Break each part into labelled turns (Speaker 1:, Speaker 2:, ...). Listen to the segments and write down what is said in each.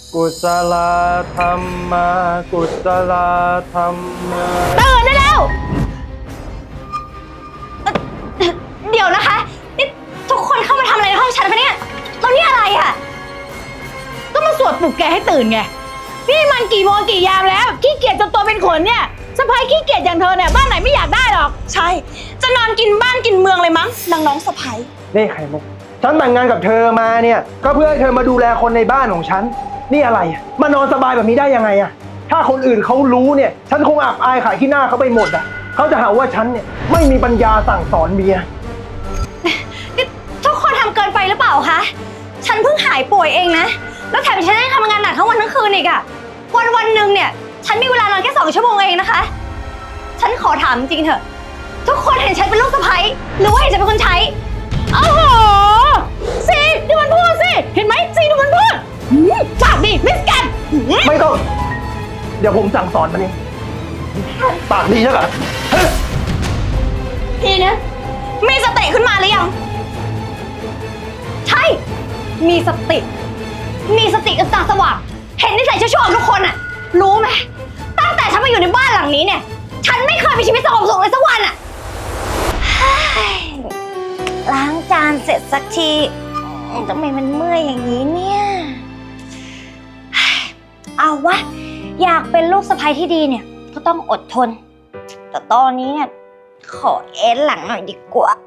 Speaker 1: กุศลธรรมะกุศลธรรมะ
Speaker 2: ตื่นได้แล้วเดี๋ยวนะคะนี่ทุกคนเข้ามาทำอะไรในห้องฉันปะเนี่ยแล้วนี่อะไรอ่ะก็มาสวดปลุกแกให้ตื่นไงนี่มันกี่โมงกี่ยามแล้วขี้เกียจจนตัวเป็นขนเนี่ยสะพ้ายขี้เกียจอย่างเธอเนี่ยบ้านไหนไม่อยากได้หรอก
Speaker 3: ใช่จะนอนกินบ้านกินเมืองเลยมั้งนางน้องสะใภ้
Speaker 1: นี่ไข่มุกฉันแต่งงานกับเธอมาเนี่ยก็เพื่อให้เธอมาดูแลคนในบ้านของฉันนี่อะไรมานอนสบายแบบนี้ได้ยังไงอะถ้าคนอื่นเขารู้เนี่ยฉันคงอับอายขายขี้หน้าเขาไปหมดอะเขาจะหาว่าฉันเนี่ยไม่มีปัญญาสั่งสอนเมีย
Speaker 2: ทุกคนทำเกินไปหรือเปล่าคะฉันเพิ่งหายป่วยเองนะแล้วแถมฉันได้ทำงานหนักทั้งวันทั้งคืนอีกอะวันหนึ่งเนี่ยฉันมีเวลานอนแค่2 ชั่วโมงเองนะคะฉันขอถามจริงเถอะทุกคนเห็นฉันเป็นลูกสะใภ้หรือว่าเห็นฉันเป็นคนใช้โอ้โหซีดูมันพูดสิเห็นไหมซีดูมันพูดปากดีมิสกัน
Speaker 1: ไม่ต้องเดี๋ยวผมสั่งสอนมันเองปากดีใช่ไหม
Speaker 2: พี่นะมีสติขึ้นมาหรือยังใช่มีสติกับตาสว่างเห็นนิสัยชั่วๆของทุกคนอะรู้ไหมตั้งแต่ฉันมาอยู่ในบ้านหลังนี้เนี่ยฉันไม่เคยมีชีวิตสงบสุขเลยสักวันอะล้างจานเสร็จสักทีทำไมมันเมื่อยอย่างนี้เนี่ยเอาวะอยากเป็นลูกสะใภ้ที่ดีเนี่ยก็ต้องอดทนแต่ตอนนี้เนี่ยขอเอ็นหลังหน่อยดีกว่า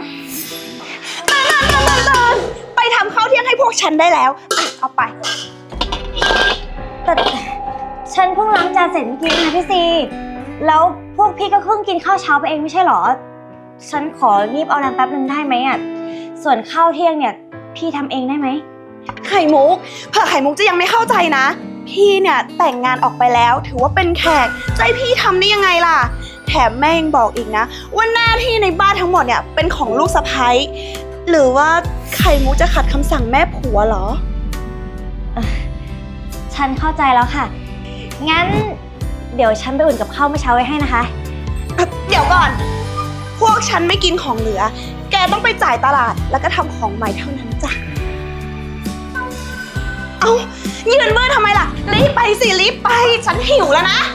Speaker 3: ไปทำข้าวเที่ยงให้พวกฉันได้แล้วเอาไป
Speaker 2: แต่ฉันเพิ่งล้างจานเสร็จเมื่อกี้นะพี่ซีแล้วพวกพี่ก็เพิ่งกินข้าวเช้าไปเองไม่ใช่หรอฉันขอรีบเอาแรงแป๊บนึงได้ไหมอ่ะส่วนข้าวเที่ยงเนี่ยพี่ทำเองได้ไหม
Speaker 3: ไข่มุกเผื่อไข่มุกจะยังไม่เข้าใจนะพี่เนี่ยแต่งงานออกไปแล้วถือว่าเป็นแขกจะให้พี่ทำได้ยังไงล่ะแถมแม่ยังบอกอีกนะว่าหน้าที่ในบ้านทั้งหมดเนี่ยเป็นของลูกสะใภ้หรือว่าไข่มุกจะขัดคำสั่งแม่ผัวเหรอ
Speaker 2: ฉันเข้าใจแล้วค่ะงั้นเดี๋ยวฉันไปอุ่นกับข้าวเมื่อเช้าไว้ให้นะคะ
Speaker 3: เดี๋ยวก่อนพวกฉันไม่กินของเหลือแกต้องไปจ่ายตลาดแล้วก็ทำของใหม่เท่านั้นจ้ะเอายืนเมื่อทำไมล่ะรีบไปสิรีบไปฉันหิวแล้วนะ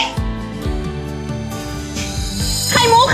Speaker 3: ไข่มุก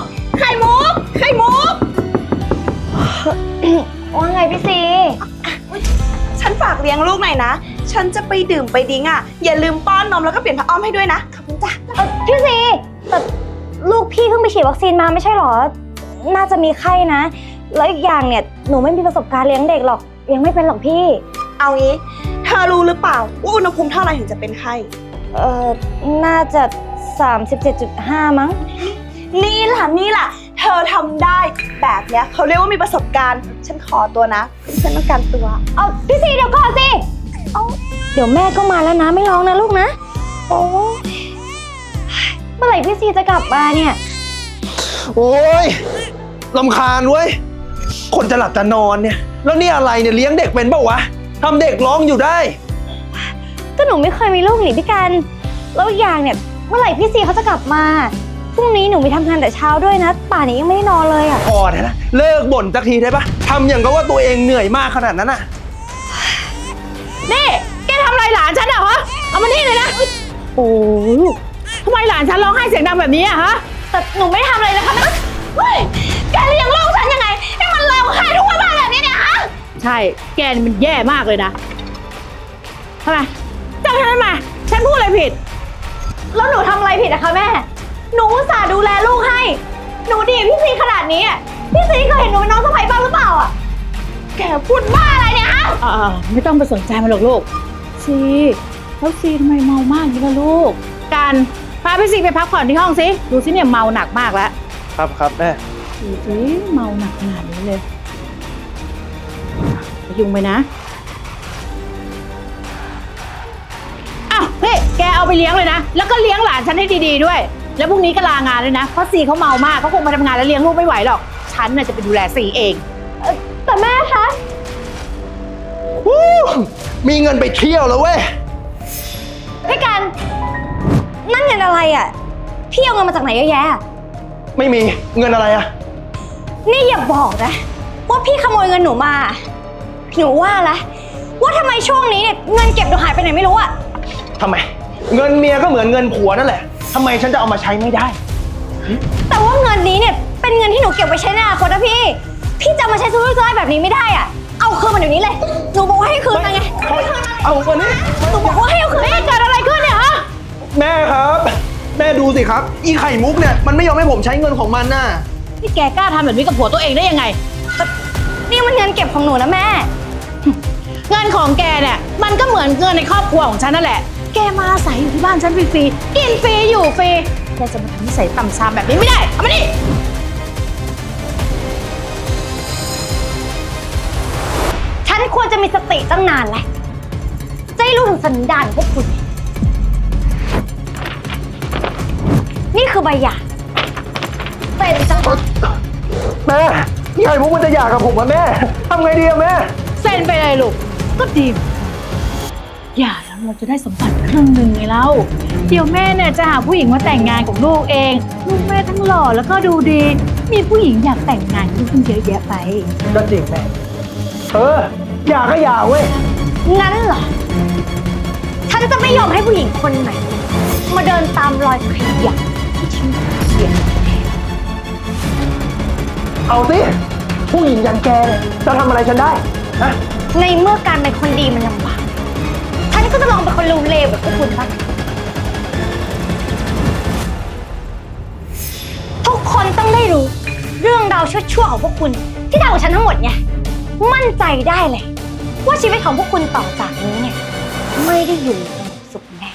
Speaker 2: ว่าไงพี่ซี
Speaker 3: ฉันฝากเลี้ยงลูกหน่อยนะฉันจะไปดื่มไปดิ้งอ่ะอย่าลืมป้อนนมแล้วก็เปลี่ยนผ้าอ้อมให้ด้วยนะขอบคุณจ้ะ
Speaker 2: พี่ซีแต่ลูกพี่เพิ่งไปฉีดวัคซีนมาไม่ใช่หรอน่าจะมีไข้นะแล้วอีกอย่างเนี่ยหนูไม่มีประสบการณ์เลี้ยงเด็กหรอกยังไม่เป็นหรอกพี่
Speaker 3: เอางี้เธอรู้หรือเปล่าว่าอุณหภูมิเท่าไหร่ถึงจะเป็นไข้
Speaker 2: น่าจะ 37.5 มั้ง
Speaker 3: นี่ล่ะเธอทำได้แบบเนี้ยเขาเรียกว่ามีประสบการณ์ฉันขอตัวนะฉันต้องการตัว
Speaker 2: เอาพี่ซีเดี๋ยวก่อนสิเดี๋ยวแม่ก็มาแล้วนะไม่ร้องนะลูกนะโอ้เมื่อไหร่พี่ซีจะกลับมาเนี่ย
Speaker 1: โอ้ยรำคาญเว้ยคนจะหลับจะนอนเนี่ยแล้วนี่อะไรเนี่ยเลี้ยงเด็กเป็นเปล่าวะทำเด็กร้องอยู่ได้
Speaker 2: ก็หนูไม่เคยมีลูกหนีพี่กันแล้วอีกอย่างเนี่ยเมื่อไหร่พี่ซีเขาจะกลับมาพรุ่งนี้หนูมีทำงานแต่เช้าด้วยนะป่านนี้ยังไม่ได้นอนเลยอ่ะ
Speaker 1: พอได้ละเลิกบ่นสักทีได้ปะทำอย่างกับว่าตัวเองเหนื่อยมากขนาดนั้นอ่ะ
Speaker 4: นี่แกทำอะไรหลานฉันอะฮะเอามานี่เลยนะโอ้ยทำไมหลานฉันร้องไห้เสียงดังแบบนี้อะฮะ
Speaker 2: แต่หนูไม่ทำอะไรเลยค่ะเฮ้ยแกเลี้ยงลูกฉันยังไงให้มันร้องไห้ทุกวันแบบนี้เนี่ยฮะ
Speaker 4: ใช่แกนี่มันแย่มากเลยนะทำไมเจ้าฉันมาฉันพูดอะไรผิด
Speaker 2: แล้วหนูทำอะไรผิดอะคะแม่หนูอุตส่าห์ดูแลลูกให้หนูดีพี่ซีขนาดนี้พี่ซีเคยเห็นหนูเป็นน้องสะใภ้บ้างหรือเปล่าอะแกพูดบ้าอะไรเนี่ยฮะ
Speaker 4: ไม่ต้องไปสนใจมันหรอกลูกซีแล้วซีทำไมเมามากอย่างนี้ล่ะลูกการพาพี่ซีไปพักผ่อนที่ห้องสิดูสิเนี่ยเมาหนักมากแล้ว
Speaker 1: ครับแม่
Speaker 4: ดูสิเมาหนักขนาดนี้เลยยุ่งไปนะอ้าวพี่แกเอาไปเลี้ยงเลยนะแล้วก็เลี้ยงหลานฉันให้ดีๆด้วยแล้วพรุ่งนี้ก็ลางานเลยนะเพราะซีเขาเมามากเขาคงมาทำงานแล้วเลี้ยงลูกไม่ไหวหรอกฉันน่ะจะไปดูแลซีเอง
Speaker 2: แต่แม่คะ
Speaker 1: มีเงินไปเที่ยวแล้วเว้ย
Speaker 2: พี่กันนั่นเงินอะไรอ่ะพี่เอาเงินมาจากไหนเยอะแยะ
Speaker 1: ไม่มีเงินอะไรอ่ะ
Speaker 2: นี่อย่าบอกนะว่าพี่ขโมยเงินหนูมาหนูว่าละว่าทำไมช่วงนี้เนี่ยเงินเก็บหนูหายไหนไม่รู้อะ
Speaker 1: ทำไม เงินเมียก็เหมือนเงินผัวนั่นแหละทำไมฉันจะเอามาใช้ไม่ได้
Speaker 2: แต่ว่าเงินนี้เนี่ยเป็นเงินที่หนูเก็บไว้ใช้ในอนาคตนะพี่ พี่จะมาใช้ซื้อซื้อแบบนี้ไม่ได้อะเอาคืนมันเดี๋ยวนี้เลย หนูบอกว่าให้คืนมาไง
Speaker 1: เอาวันนี้
Speaker 2: หนูบอกว่าให้เอาคืนนี่เกิดอะไรขึ้นเนี่ยฮะ
Speaker 1: แม่ครับ แม่ดูสิครับ อีไข่มุกเนี่ยมันไม่ยอมให้ผมใช้เงินของมันน่ะ
Speaker 4: นี่แกกล้าทำแบบนี้กับผัวตัวเองได้ยังไง
Speaker 2: นี่มันเงินเก็บของหนูนะแม่
Speaker 4: เงินของแกเนี่ยมันก็เหมือนเงินในครอบครัวของฉันนั่นแหละ แกมาอาศัยอยู่ที่บ้านฉันฟรีๆ กินฟรีอยู่ฟรี แกจะมาทำนิสัยต่ำซามแบบนี้ไม่ได้ เอามานี่
Speaker 2: ฉันควรจะมีสติตั้งนานแล้วจะให้รู้ถึงสันดานของพวกคุณ นี่คือใบหย่าเป็นจัง
Speaker 1: แม่อีไข่มุกมันจะหย่ากับผมอะแม่ทำไงดีอะแม่
Speaker 4: เซ็นไปเลยลูก ก็ดีเหมือนกันอย่าแล้วเราจะได้สมบัติครึ่งหนึ่งไงเล่า เดี๋ยวแม่เนี่ยจะหาผู้หญิงมาแต่งงานกับลูกเอง ลูกแม่ทั้งหล่อแล้วก็ดูดี มีผู้หญิงอยากแต่งงานกับลูกตั้งเยอะแยะไป
Speaker 1: ก็จริงแม่หย่าก็หย่าเว้ย
Speaker 2: งั้นเหรอ ฉันจะไม่ยอมให้ผู้หญิงคนไหน มาเดินตามรอยขยะที่ฉันเขียน
Speaker 1: เอาสิผู้หญิงอย่างแกเนี่ยจะทำอะไรฉันได้นะ
Speaker 2: ในเมื่อการเป็นคนดีมันลำบาก ฉันก็จะลองเป็นคนเลวๆแบบพวกคุณบ้างทุกคนต้องได้รู้ เรื่องราวชั่วๆของพวกคุณที่ทำกับฉันทั้งหมดไงมั่นใจได้เลย ว่าชีวิตของพวกคุณต่อจากนี้เนี่ย ไม่ได้อยู่สงบสุขแน่